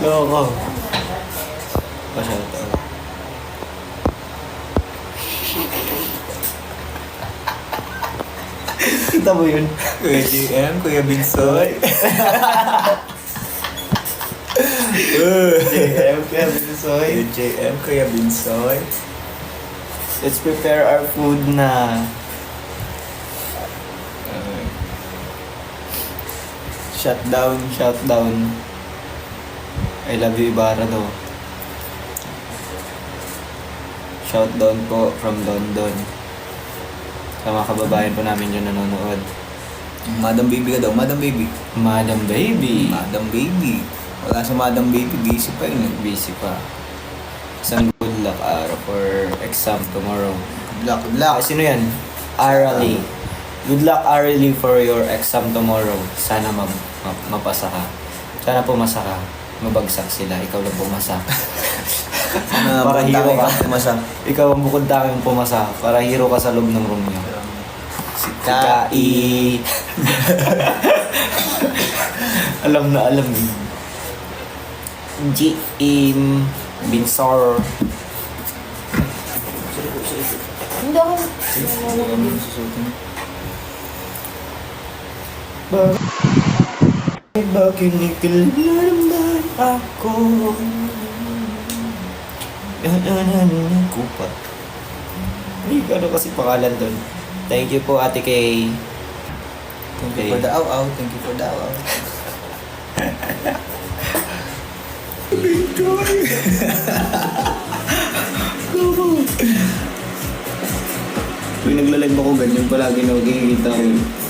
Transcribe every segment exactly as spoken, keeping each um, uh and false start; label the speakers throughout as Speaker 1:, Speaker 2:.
Speaker 1: Loko. Masyado. Kita mo yun?
Speaker 2: Kuya J M, Kuya Binsoy.
Speaker 1: J M, Kuya Binsoy.
Speaker 2: Kuya J M, Kuya Binsoy.
Speaker 1: Let's prepare our food na. Shutdown, shutdown. I love you, Ibarra daw. Shutdown po from London. Sa mga kababayan po namin yung nanonood.
Speaker 2: Madam Baby ka daw, Madam Baby.
Speaker 1: Madam Baby.
Speaker 2: Madam Baby. Wala sa Madam Baby, busy pa yun.
Speaker 1: Busy pa. Isang good luck araw for exam tomorrow.
Speaker 2: Good luck, good
Speaker 1: Ah,
Speaker 2: luck.
Speaker 1: sino yan? Arally. Good luck, Arally, for your exam tomorrow. Sana ma- ma- mapasa ka. Sana pumasa ka. Mabagsak sila. Ikaw lang pumasa.
Speaker 2: Sana
Speaker 1: Para
Speaker 2: bukod
Speaker 1: hero
Speaker 2: tayo
Speaker 1: ka.
Speaker 2: ka pumasa.
Speaker 1: Ikaw ang bukod tanging pumasa. Para hero ka sa loob ng room niyo.
Speaker 2: Si
Speaker 1: Si Kai. Alam na alam. G. M. Binsor.
Speaker 3: Hindi ako.
Speaker 1: Bakit ba kinikilaman ako? Yan ko pa. Ay, ano kasi pangalan doon? Thank you po, Ate Kay.
Speaker 2: Thank you for the aw-aw. Thank you for the aw-aw.
Speaker 1: Tuwing naglalag ako ganyan palagi na makikita ko.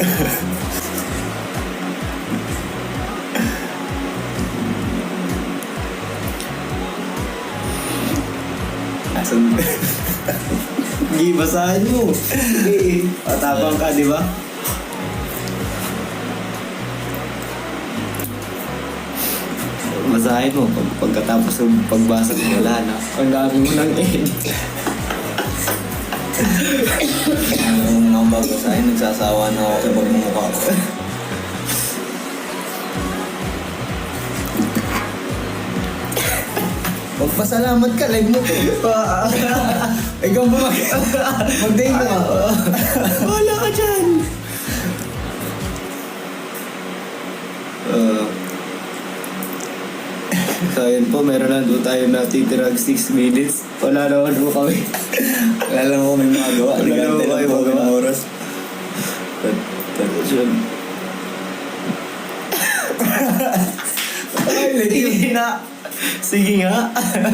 Speaker 2: Asan?
Speaker 1: Hindi, basahin mo. Sige, patapang ka, di ba? Basahin mo. Pag, pagkatapos ng pagbasa ko, wala na. Ang dami mo ng end.
Speaker 2: Yung mga bago sa akin, nagsasawa na ako sa pagmumukha ko. Magpasalamat ka, live mo to.
Speaker 1: Ikaw ba mag...
Speaker 2: Mag-date mo.
Speaker 1: Wala ka dyan! Uh, so yun po, meron na doon tayo natitirag six minutes. Wala naman po kami.
Speaker 2: Wala lang ako may magagawa.
Speaker 1: Wala lang
Speaker 2: Nagante
Speaker 1: ako
Speaker 2: lang
Speaker 1: may
Speaker 2: po
Speaker 1: magawa.
Speaker 2: ng oras.
Speaker 1: Tapos yun. Sige na! Sige nga!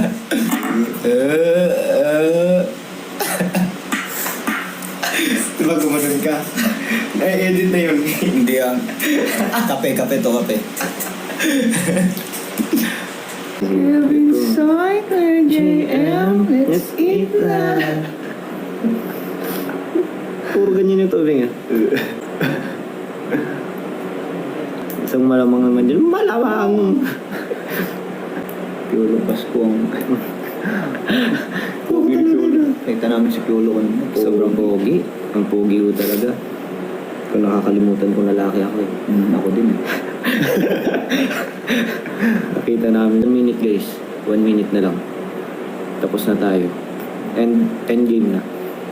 Speaker 1: Eh, eh. Diba gumanon ka? Na-edit na yun.
Speaker 2: Hindi ah. Kape, kape to, kape.
Speaker 3: Inside her J M, let's eat that.
Speaker 1: Puro ganyan yung tubig ah. Isang malamang naman dyan. Malamang!
Speaker 2: Piolo Pasko ang... Pogi ni Piolo. Nakita namin si Piolo kanina.
Speaker 1: Sobrang pogi. Ang pogi ko talaga. Kung nakakalimutan kong lalaki ako eh.
Speaker 2: Hmm, ako din eh.
Speaker 1: Nakita namin. One minute guys. One minute na lang. Tapos na tayo. End, end game na.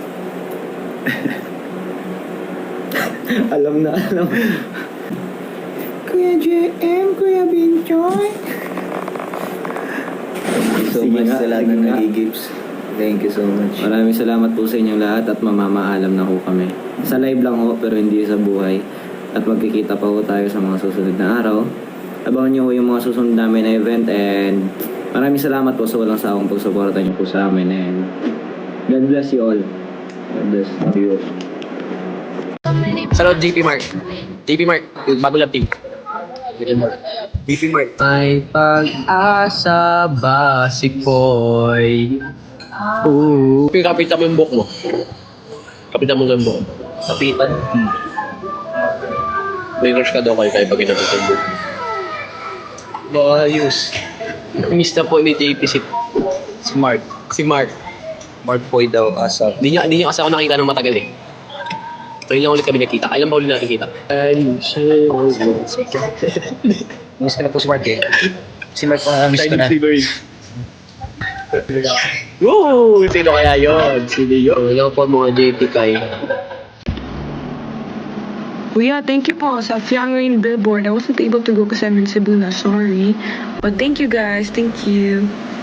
Speaker 1: Alam na alam.
Speaker 3: Kuya J M, Kuya Binchoy.
Speaker 2: Thank you so
Speaker 1: Sige
Speaker 2: much
Speaker 1: nga,
Speaker 2: sa lahat
Speaker 1: sige
Speaker 2: ng
Speaker 1: nga.
Speaker 2: nag-gifts. Thank you so much.
Speaker 1: Maraming salamat po sa inyong lahat at mamamaalam na ho kami. Sa live lang ho pero hindi sa buhay. At magkikita pa ho tayo sa mga susunod na araw. Abangan nyo ho yung mga susunod namin na event and maraming salamat po sa walang sawang pagsuporta nyo po sa amin and God bless you all. God bless you.
Speaker 4: Salud J P Mark. J P Mark, yung bago lang team. J P Mark. J P Mark. May pag-asa ba si Poy? Oo. Kapitan mo yung buhok mo. Kapitan mo yung buhok. Kapitan? Hmm. May crush ka daw kayo kaya pag ginapit yung buhok. Ayos. Miss na po ni J P si, si Mark. Si Mark. Mark Poy daw asa. Hindi niya, hindi niya kasi ako nakita ng matagal eh. Ngayon lang ulit kami nakita. Kailan ba ulit nakikita? Ay, siya. Miss ka na po si Mark eh. Si Mark ang miss ko na. Woo! Sino kaya yun? Sino yun? Wala po mga J P kay.
Speaker 3: Well, yeah, thank you po sa Fiang Rain Billboard. I wasn't able to go because I'm in Cebu na. Sorry. But thank you guys. Thank you.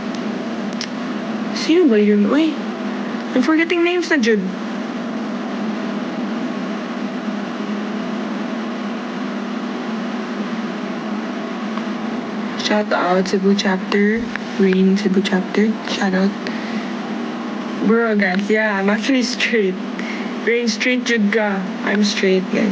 Speaker 3: Sino ba yun? Uy, I'm forgetting names na, Jude. Shout out Cebu chapter. Rain Cebu chapter. Shout out. Bro, guys, yeah, I'm actually straight. Rain straight, Jude ka. I'm straight, guys.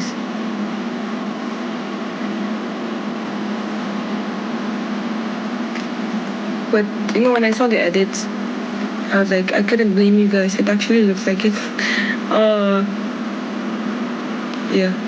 Speaker 3: But, you know, when I saw the edits, I was like, I couldn't blame you guys. It actually looks like it. Uh, yeah.